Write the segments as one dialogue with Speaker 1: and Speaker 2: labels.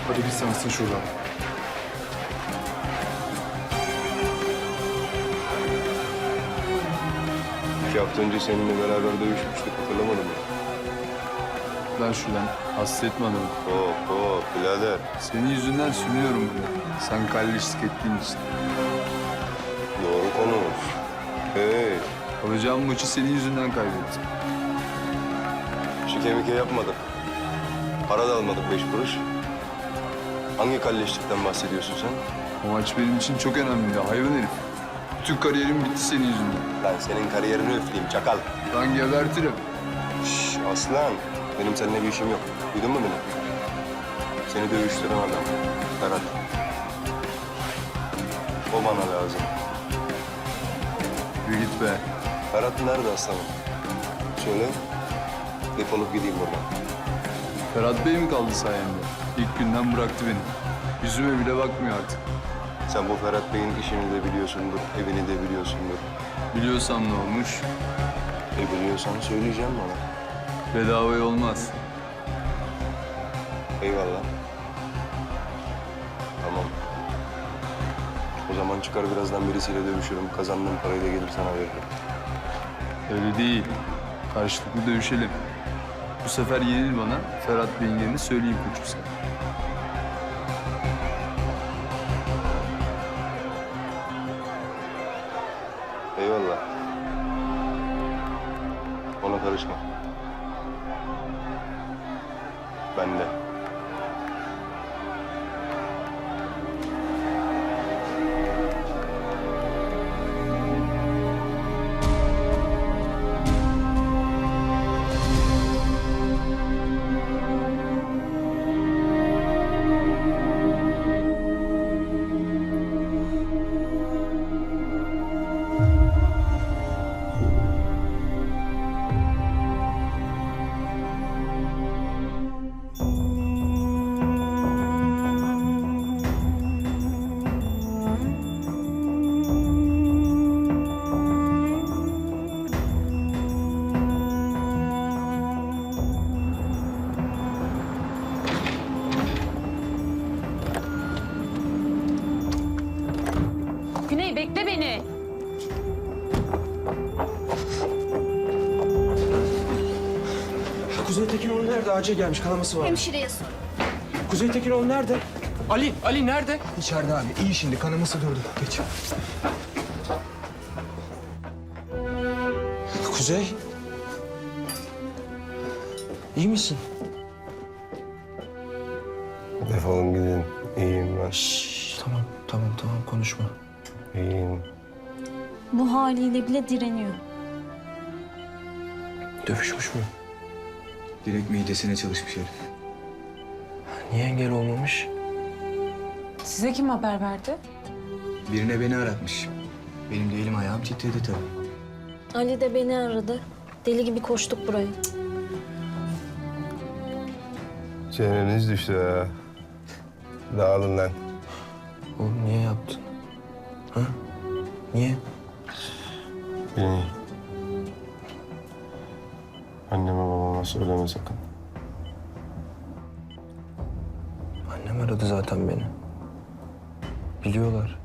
Speaker 1: Hadi git sen ısın şuradan.
Speaker 2: İki hafta önce seninle beraber dövüşmüştük, hatırlamadın mı?
Speaker 1: Lan şuradan. Hasta etme adamı.
Speaker 2: Hop birader.
Speaker 1: Senin yüzünden sürünüyorum burada. Sen kalleşlik ettiğin için.
Speaker 2: Doğru konuş. Hey,
Speaker 1: Alacağım maçı senin yüzünden kaybettim.
Speaker 2: şike mike yapmadık. Para da almadık 5 kuruş. Hangi kalleşlikten bahsediyorsun sen?
Speaker 1: O maç benim için çok önemliydi hayvan herif. Bütün kariyerim bitti senin yüzünden.
Speaker 2: Ben senin kariyerini üfleyeyim çakal.
Speaker 1: Lan gebertirim.
Speaker 2: Şş, aslan, benim seninle bir işim yok. Duydun mu beni? Seni dövüştüren adam, Ferhat. O bana lazım.
Speaker 1: Yürü git be.
Speaker 2: Ferhat nerede aslanım? Söyle, defolup gideyim buradan.
Speaker 1: Ferhat Bey mi kaldı sayende? İlk günden bıraktı beni. Yüzüme bile bakmıyor artık.
Speaker 2: Sen bu Ferhat Bey'in işini de biliyorsundur, evini de biliyorsundur.
Speaker 1: Biliyorsam ne olmuş?
Speaker 2: Biliyorsan söyleyeceğim bana.
Speaker 1: Bedavaya olmaz.
Speaker 2: Eyvallah. Tamam. O zaman çıkar birazdan birisiyle dövüşürüm. Kazandığım parayı da gelir sana veririm.
Speaker 1: Öyle değil. Karşılıklı dövüşelim. Bu sefer yenil bana. Ferhat Bey'in yerini söyleyeyim koçum sana.
Speaker 2: Eyvallah. Ona karışma. Ben de.
Speaker 3: Güney bekle beni.
Speaker 4: Kuzey Tekinoğlu nerede? Acil gelmiş. Kanaması var.
Speaker 3: Hemşireye sor.
Speaker 4: Kuzey Tekinoğlu nerede? Ali nerede?
Speaker 5: İçeride abi. İyi şimdi. Kanaması durdu. Geç.
Speaker 4: Kuzey. İyi misin?
Speaker 2: Defolun gidin. İyiyim ben.
Speaker 4: Tamam konuşma.
Speaker 2: İyiyim.
Speaker 6: Bu haliyle bile direniyor.
Speaker 4: Dövüşmüş mü?
Speaker 5: Direkt midesine çalışmış herif.
Speaker 4: Niye engel olmamış?
Speaker 3: Size kim haber verdi?
Speaker 5: Birine beni aratmış. Benim de elim ayağım titredi tabii.
Speaker 6: Ali de beni aradı. Deli gibi koştuk buraya.
Speaker 2: Çeneniz düştü ha. Dağılın lan.
Speaker 4: Oğlum niye yaptın? Ha? Niye?
Speaker 2: Beni. Anneme babama söyleme sakın.
Speaker 4: Annem aradı zaten beni. Biliyorlar.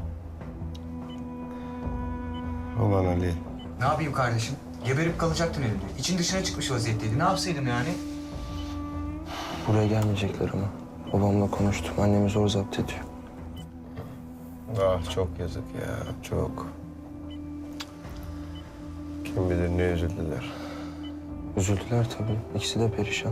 Speaker 2: Ulan Ali.
Speaker 5: Ne yapayım kardeşim? Geberip kalacaktın elimde. İçin dışına çıkmış vaziyetteydi. Ne yapsaydım yani?
Speaker 4: Buraya gelmeyecekler ama. Babamla konuştum. Annemi zor zapt ediyor.
Speaker 2: Ah çok yazık ya, çok. Kim bilir ne üzüldüler.
Speaker 4: Üzüldüler tabii. İkisi de perişan.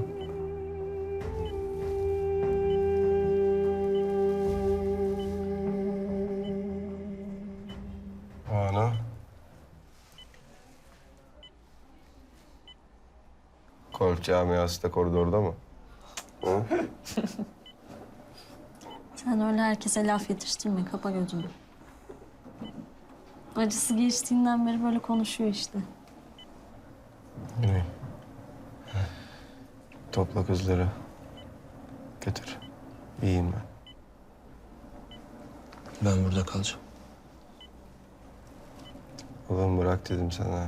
Speaker 2: O ana. Kolç camiası da koridorda mı? Hı?
Speaker 6: Sen öyle herkese laf yetiştirme. Kapa gözünü. Acısı geçtiğinden beri böyle konuşuyor işte.
Speaker 2: Güney. Topla kızları. Götür. İyiyim ben.
Speaker 4: Ben burada kalacağım.
Speaker 2: Oğlum bırak dedim sana.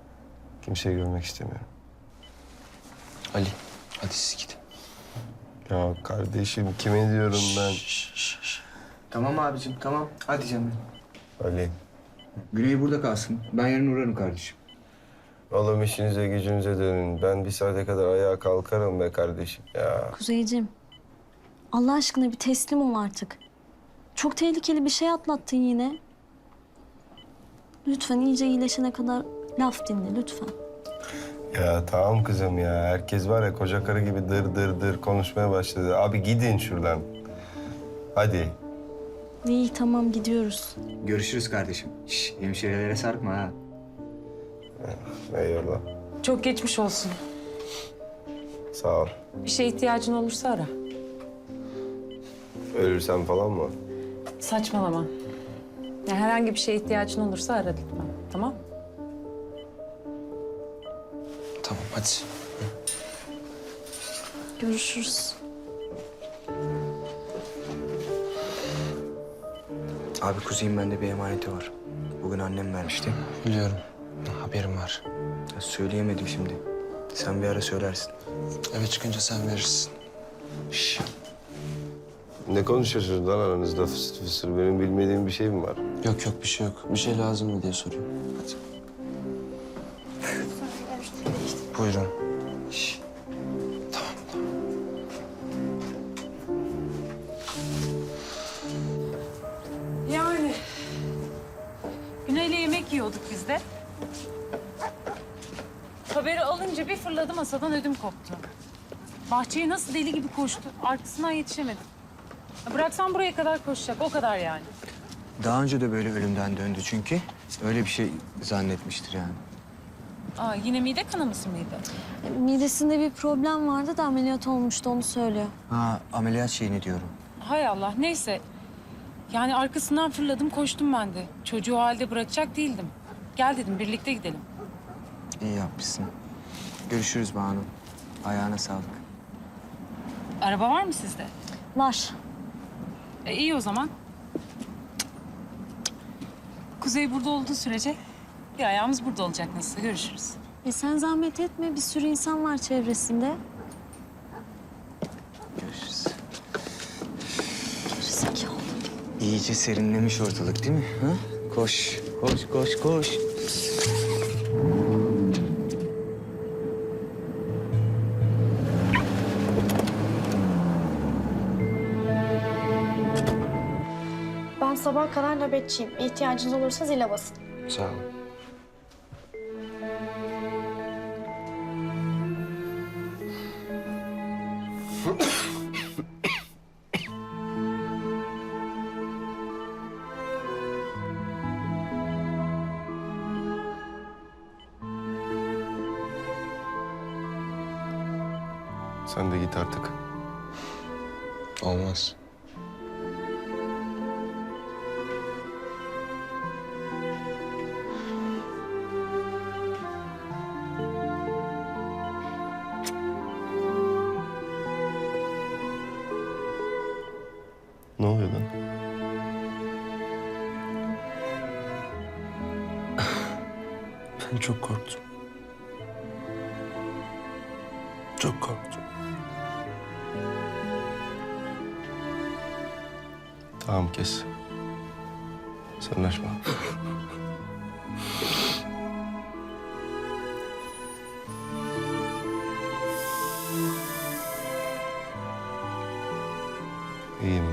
Speaker 2: Kimseyi görmek istemiyorum.
Speaker 4: Ali, hadi siz gidin.
Speaker 2: Ya kardeşim kime diyorum ben?
Speaker 5: Tamam abicim tamam. Hadi canım.
Speaker 2: Ali.
Speaker 5: Güney burada kalsın. Ben yarın uğrarım kardeşim.
Speaker 2: Oğlum işinize gücünüze dönün. Ben bir saate kadar ayağa kalkarım be kardeşim ya.
Speaker 6: Kuzeyciğim, Allah aşkına bir teslim ol artık. Çok tehlikeli bir şey atlattın yine. Lütfen iyice iyileşene kadar laf dinle lütfen.
Speaker 2: Ya tamam kızım ya. Herkes var ya koca karı gibi dır dır dır konuşmaya başladı. Abi gidin şuradan. Hadi.
Speaker 6: İyi tamam gidiyoruz.
Speaker 5: Görüşürüz kardeşim. Şş, hemşirelere sarkma ha.
Speaker 2: Eyvallah.
Speaker 3: Çok geçmiş olsun.
Speaker 2: Sağ ol.
Speaker 3: Bir şeye ihtiyacın olursa ara.
Speaker 2: Ölürsem falan mı?
Speaker 3: Saçmalama. Ya herhangi bir şeye ihtiyacın olursa ara lütfen. Tamam?
Speaker 4: Tamam hadi.
Speaker 6: Görüşürüz.
Speaker 5: Abi Kuzey'in bende bir emaneti var. Bugün annem vermişti.
Speaker 4: Biliyorum. Haberim var.
Speaker 5: Ya söyleyemedim şimdi. Sen bir ara söylersin.
Speaker 4: Eve çıkınca sen verirsin.
Speaker 5: Şş.
Speaker 2: Ne konuşuyorsunuz lan aranızda fısır fısır? Benim bilmediğim bir şey mi var?
Speaker 4: Yok yok bir şey yok. Bir şey lazım mı diye soruyorum. Hadi. Buyurun.
Speaker 5: Şş.
Speaker 4: Tamam.
Speaker 3: Yani. Güney'le yemek yiyorduk biz de. Haberi alınca bir fırladı masadan ödüm koptu. Bahçeye nasıl deli gibi koştu. Arkasından yetişemedim. Ya bıraksam buraya kadar koşacak. O kadar yani.
Speaker 5: Daha önce de böyle ölümden döndü çünkü. Öyle bir şey zannetmiştir yani.
Speaker 3: Aa, yine mide kanaması mıydı?
Speaker 6: Midesinde bir problem vardı da ameliyat olmuştu onu söylüyor.
Speaker 5: Ha ameliyat şeyini diyorum.
Speaker 3: Hay Allah neyse. Yani arkasından fırladım koştum ben de. Çocuğu o halde bırakacak değildim. Gel dedim birlikte gidelim.
Speaker 5: İyi yapmışsın. Görüşürüz Banu. Ayağına sağlık.
Speaker 3: Araba var mı sizde?
Speaker 6: Var.
Speaker 3: İyi o zaman. Kuzey burada olduğu sürece bir ayağımız burada olacak nasılsa. Görüşürüz.
Speaker 6: Sen zahmet etme bir sürü insan var çevresinde.
Speaker 5: Görüşürüz.
Speaker 6: Gerizekalı.
Speaker 5: İyice serinlemiş ortalık değil mi? Ha? Koş, koş, koş, koş.
Speaker 7: Ben sabaha kadar nöbetçiyim. İhtiyacınız olursa zile basın.
Speaker 4: Sağ ol.
Speaker 2: Sen de git artık.
Speaker 4: Olmaz.
Speaker 2: Ne oluyor lan?
Speaker 4: Ben çok korktum. Çok korktum.
Speaker 2: Tamam kes. Sarılaşma. İyiyim